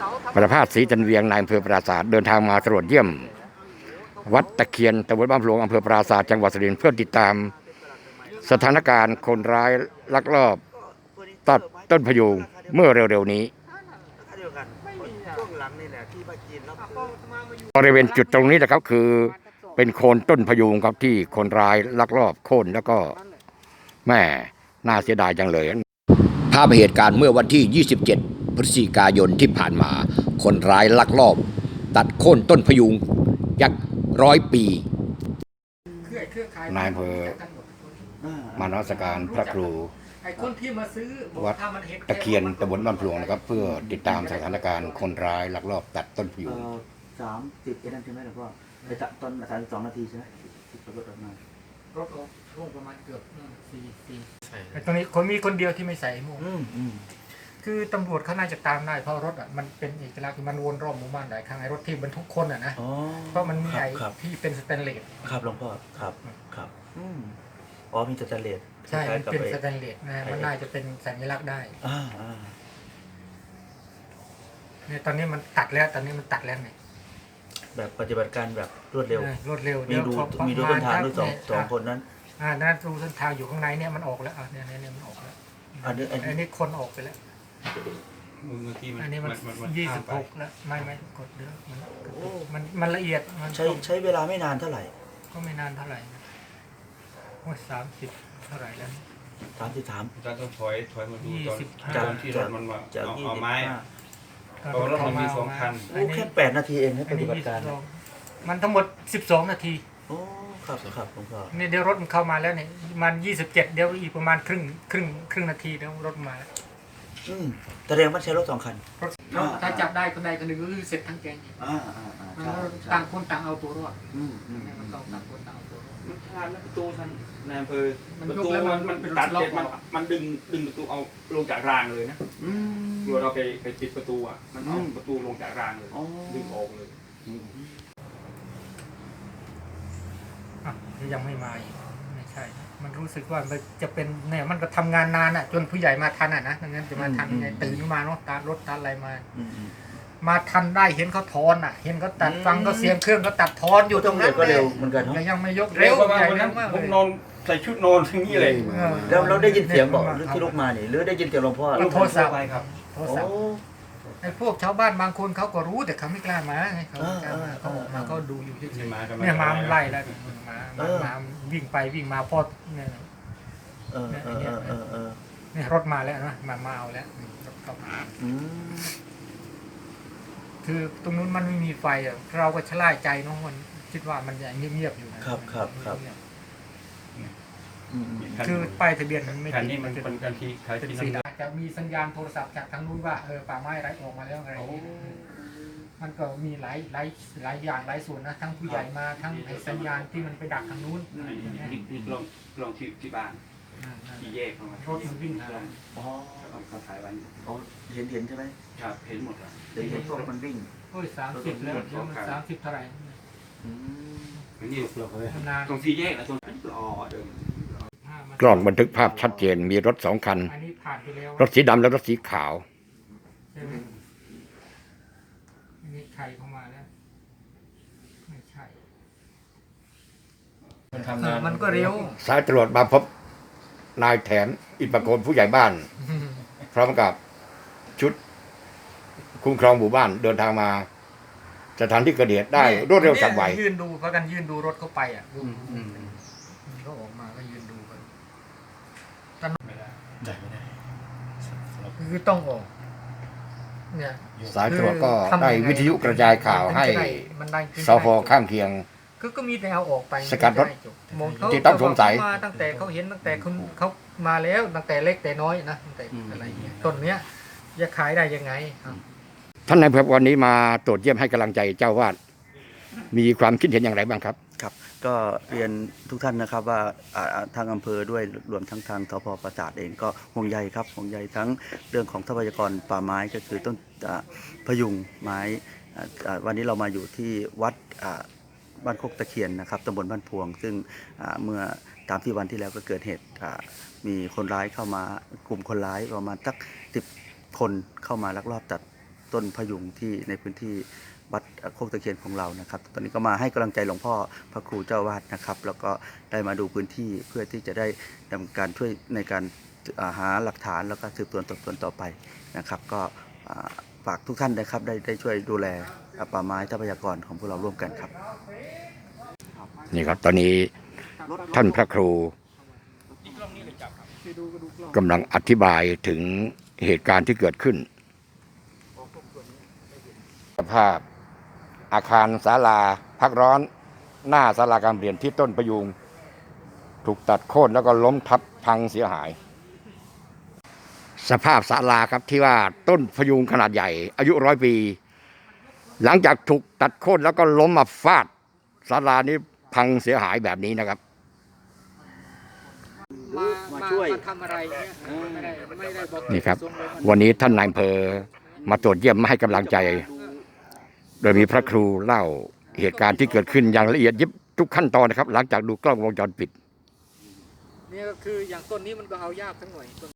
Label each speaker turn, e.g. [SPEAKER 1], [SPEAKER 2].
[SPEAKER 1] ประภาสศรีจันเวียงนายอำเภอปราสาทเดินทางมาตรวจเยี่ยมวัดตะเคียนตำบลบ้านพลวงอำเภอปราสาทจังหวัดสุรินทร์เพื่อติดตามสถานการณ์คนร้ายลักลอบตัดต้นพยุงเมื่อเร็วๆนี้บริเวณจุดตรงนี้นะครับคือเป็นโคนต้นพยุงครับที่คนร้ายลักลอบโค่นแล้วก็แม่น่าเสียดายจังเลยภาพเหตุการณ์เมื่อวันที่ 27 พฤศจิกายนที่ผ่านมาคนร้ายลักลอบตัดโค่นต้นพยุงยักษ์100 ปีนายอำเภอมานมัสการพระครูวัดตะเคียนตำบลบ้านพลวงนะครับเพื่อติดตามสถานการณ์คนร้ายลักลอบตัดต้นพยุง
[SPEAKER 2] 30นั่นใช่ไหมหลวงพ่อไปตัดตอน32 นาทีใช่ไหมที่รถออกมารถลงประมาณเกือบ4แต่ตรงนี้คนมีคนเดียวที่ไม่ใส่หมวกคือตำรวจเขาน่าจะตามได้เพราะรถอ่ะมันเป็นเอกลักษณ์มันวนรอบหมู่บ้านหลายครั้งไอ้รถที่บรรทุกคนอ่ะนะเพราะมันมีไอ้ที่เป็นสแตนเลส
[SPEAKER 3] ครับหลวงพ่อครับอ๋อมีสแตนเลส
[SPEAKER 2] ใช่เป็นสแตนเลสนะมันน่าจะเป็นสัญลักษณ์ได้เนี่ยตอนนี้มันตัดแล้วตอนนี้มันตัดแล้วไง
[SPEAKER 3] แบบปฏิบัติการแบบรวดเร็วมีดูต้นทางด้วยสองคนนั้น
[SPEAKER 2] นั่นดูต้นทางอยู่ข้างในเนี่ยมันออกแล้วเนี่ยมันออกแล้วอันนี้คนออกไปแล้วอันนี้มัน26แล้วไม่กดเยอะมันละเอียดมัน
[SPEAKER 3] ใช้เวลาไม่นานเท่าไหร่
[SPEAKER 2] ก็ไม่นานเท่าไหร่30เท่าไหร่แล้ว
[SPEAKER 3] 33
[SPEAKER 4] จะต้องถอยมาดูตอนที่รถมันมาเอาไม้เพราะรถมันมี2 คัน
[SPEAKER 3] โอ้แค่8 นาทีเองนะปฏิบัติการ
[SPEAKER 2] มันทั้งหมด12 นาที
[SPEAKER 3] โอ้ครับผมก็
[SPEAKER 2] นี่เดี๋ยวรถมันเข้ามาแล้วเนี่ยมัน27เดี๋ยวอีกประมาณครึ่งนาทีเดี๋ยวรถมาแล้ว
[SPEAKER 3] แสดงว่าใช้รถ2 คัน
[SPEAKER 2] ถ้าจับได้คนใดคนหนึ่งก็คือเสร็จทั้งแก๊งต่างคนต่างเอาตัวรอดมันต้องต่างคนต่างเอาตัวรอด
[SPEAKER 4] มันพลาดแล้วประตูท่านนายอำเภอประตูมันตัดเสร็จมันดึงประตูเอาลงจากรางเลยนะเราไปปิดประตูมันเอาประตูลงจากรางเลยดึงออกเลย
[SPEAKER 2] ยังไม่มาอีกไม่ใช่มันรู้สึกว่ามันจะเป็นเนี่ยมันก็ทำงานนานจนผู้ใหญ่มาทันนะงั้นจะมาทันไงตื่นมาเนาะตารถตาอะไรมาทันได้เห็นเขาถอนเห็นเขาตัดฟังก็เสียงเครื่องเขาตัดถอนอยู่ตรงนั้น
[SPEAKER 3] ก็เร็วเหมือนกัน
[SPEAKER 2] ยังไม่ยกเร็ว
[SPEAKER 4] ใหญ่มากผมนอนใส่ชุดนอนทั้งนี้เลย
[SPEAKER 3] แล้วเราได้ยินเสียงบอกที่ลุกมานี่หรือได้ยินเสียงหลวงพ่อ
[SPEAKER 2] โทรศัพท์ไปครับโทรศัพท์ไอ้พวกชาวบ้านบางคนเขาก็รู้แต่เขาไม่กล้ามาไงเขาไม่กล้ามาเขาออกมาก็ดูอยู่เฉยๆเนี่ยมาไล่แล้วมาวิ่งไปวิ่งมาพอดเนี่ยเนี่ยรถมาแล้วนะมาเอาแล้วรถเข้ามาคือตรงนู้นมันไม่มีไฟเราก็ชะล่าใจเนาะมันคิดว่ามันจะเงียบๆอยู่
[SPEAKER 3] นะครับ
[SPEAKER 2] คือป้ายทะเบียนมันไม่
[SPEAKER 4] ติดนี่มันเป็นการที่ขายที่ดิน
[SPEAKER 2] จะมีสัญญาณโทรศัพท์จากทางนู้นว่าป่าไม้ไร้ออกมาแล้วอะไรมันก็มีหลายอย่างหลายส่วนนะทั้งผู้ใหญ่มาทั้งสัญญาณที่มันไปดักทางนู้น
[SPEAKER 4] ลองที่บ้านที่แยกเข้ามาร
[SPEAKER 2] ถมันวิ่ง
[SPEAKER 4] เขาถ่ายไว้
[SPEAKER 3] เห็นใช่ไหม
[SPEAKER 4] ครับเห็นหมดเลย
[SPEAKER 3] เห็นพวกมันวิ่ง
[SPEAKER 2] 30แล้วเดี๋ยวมัน30เท่าไหร่
[SPEAKER 4] นี่ตรงที่แยกนะตรงนั้น
[SPEAKER 1] กล้องบันทึกภาพชัดเจนมีรถ2 คันรถสีดำและรถสีขาว
[SPEAKER 2] มีใครเข้ามาแล้วไม่ใช่มันก็เร็ว
[SPEAKER 1] สายตรวจมาพบนายแถนอิปโกนผู้ใหญ่บ้านพร้อมกับชุดคุ้มครองหมู่บ้านเดินทางมาสถานที่เกิดเหตุได้รวดเร็วฉับไว
[SPEAKER 2] ยืนดูเพราะกันยืนดูรถเข้าไปเขาออกมาก็ยืนดูกันไม่ได้คือต้องออกเนี่ย
[SPEAKER 1] สายตรวจก็ได้วิทยุกระจายข่าวให้สพข้างเคียง
[SPEAKER 2] ก็มีแต่เอาออกไป
[SPEAKER 1] สกัดรถที่ต้องสงสัย
[SPEAKER 2] มาตั้งแต่เขาเห็นตั้งแต่เขามาแล้วตั้งแต่เล็กแต่น้อยนะตั้งแต่อะไรต้นเนี้ยจะขายได้ยังไง
[SPEAKER 1] ท่านนายอำเภอวันนี้มาตรวจเยี่ยมให้กำลังใจเจ้าวาดมีความคิดเห็นอย่างไรบ้างครับ
[SPEAKER 3] ครับก็เรียนทุกท่านนะครับว่าทางอำเภอด้วยรวมทั้งทางทพปราสาทเองก็ห่วงใยครับห่วงใยทั้งเรื่องของทรัพยากรป่าไม้ก็คือต้นพยุงไม้วันนี้เรามาอยู่ที่วัดบ้านโคกตะเคียนนะครับตำบลบ้านพวงซึ่งเมื่อตามที่วันที่แล้วก็เกิดเหตุมีคนร้ายเข้ามากลุ่มคนร้ายประมาณสัก10 คนเข้ามาลักลอบตัดต้นพยุงที่ในพื้นที่วัดโคกตะเคียนของเรานะครับตอนนี้ก็มาให้กำลังใจหลวงพ่อพระครูเจ้าวาดนะครับแล้วก็ได้มาดูพื้นที่เพื่อที่จะได้ดำเนินการช่วยในการหาหลักฐานแล้วก็สืบสวนสอบสวนต่อไปนะครับก็ฝากทุกท่านนะครับได้ช่วยดูแลป่าไม้ทรัพยากรของพวกเราร่วมกันครับ
[SPEAKER 1] นี่ครับตอนนี้ท่านพระครูกำลังอธิบายถึงเหตุการณ์ที่เกิดขึ้นสภาพอาคารศาลาพักร้อนหน้าศาลาการเปลี่ยนที่ต้นพยุงถูกตัดโค่นแล้วก็ล้มทับพังเสียหาย สภาพศาลาครับที่ว่าต้นพยุงขนาดใหญ่อายุ100 ปี หลังจากถูกตัดโค่นแล้วก็ล้มมาฟาดศาลานี้พังเสียหายแบบนี้นะครับ
[SPEAKER 2] มาช่วยทำอะไรเนี่ยไม่ได้บอก
[SPEAKER 1] นี่ครับวันนี้ท่านนายอำเภอมาตรวจเยี่ยมมาให้กำลังใจ โดยมีพระครูเล่าเหตุการณ์ที่เกิดขึ้นอย่างละเอียดยิบทุกขั้นตอนนะครับ หลังจากดูกล้องวงจรปิด
[SPEAKER 2] นี่ก็คืออย่างต้นนี้มันก็เอายากทั้งหน่อย